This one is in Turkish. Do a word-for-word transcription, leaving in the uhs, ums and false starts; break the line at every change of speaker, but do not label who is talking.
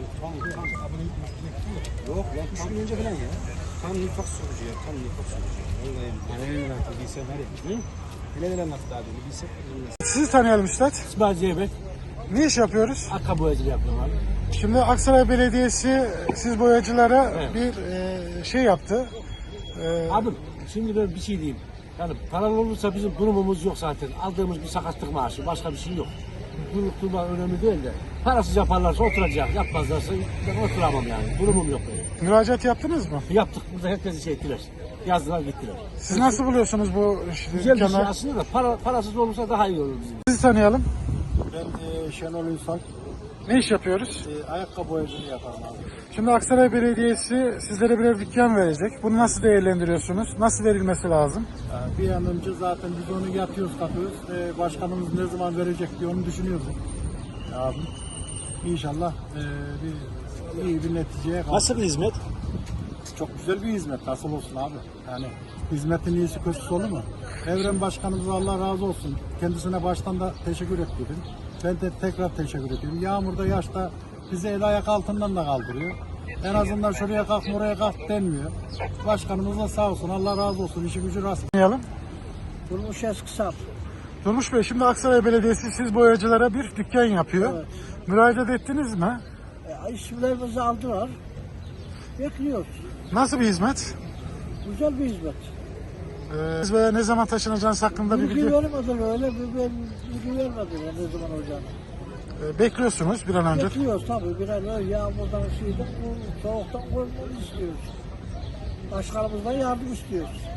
Tam, tam abonelik yok lan, üç gün önce falan ya. Tam nifak sorucu ya, tam nifak sorucu. Vallahi yani neler anlattı bilsen var ya. Hı? Neler neler anlattı abi, bilsen.
Sizi tanıyalım üstad.
İsmail Zeybek,
Ne iş yapıyoruz?
Akka boyacılığı yapıyorum abi.
Şimdi Aksaray Belediyesi siz boyacılara
Evet.
bir e, şey yaptı. E,
Abi şimdi ben bir şey diyeyim. Yani paralı olursa bizim durumumuz yok zaten. Aldığımız bir sakatlık maaşı, başka bir şey yok. Durup durma önemli değil de. Parasız yaparlarsa oturacak, yapmazlarsa ben oturamam yani. Durumum yok benim.
müracaat yaptınız mı?
Yaptık, burada herkesi şey ettiler. Yazdılar gittiler.
Siz nasıl buluyorsunuz bu
Güzel bir şey
dükkanı?
aslında da para, parasız olursa daha iyi olur bizim.
Sizi tanıyalım.
Ben e, Şenol Ünsal,
Ne iş yapıyoruz?
e, ayakkabı boyacılığı yaparım abi.
Şimdi Aksaray Belediyesi sizlere birer dükkan verecek. Bunu nasıl değerlendiriyorsunuz? Nasıl verilmesi lazım?
E, bir an önce zaten biz onu yatıyoruz, kalkıyoruz. E, başkanımız ne zaman verecek diye onu düşünüyoruz. Abi. İnşallah e, bir iyi bir neticeye kalk.
Nasıl bir hizmet?
Çok güzel bir hizmet. Nasıl olsun abi? Yani hizmetin iyisi kötüsü olur mu? Evren Başkanımıza Allah razı olsun. Kendisine baştan da teşekkür ettim. Ben de tekrar teşekkür ediyorum. Yağmurda, yaşta bizi el ayak altından da kaldırıyor. En azından şuraya kalk, buraya kalk denmiyor. Başkanımız da sağ olsun. Allah razı olsun. İşi gücü rast.
Tanıyalım.
Durmuş Eskisar.
Durmuş Bey, şimdi Aksaray Belediyesi siz boyacılara bir dükkan yapıyor.
Evet.
Müracaat ettiniz mi?
E, isimlerimizi aldılar. Bekliyoruz.
Nasıl bir hizmet?
Güzel bir hizmet.
Ee, siz veya ne zaman taşınacağınız hakkında bir
Bilgi
bilgi
vermediler öyle. Bir, ben bilgi vermediler ne zaman olacağını.
e, bekliyorsunuz bir an önce.
Bekliyoruz tabii. Bir an öyle yağmurdan, şeyden, bu soğuktan korkmamızı istiyoruz. Başkanımızdan yardım istiyoruz.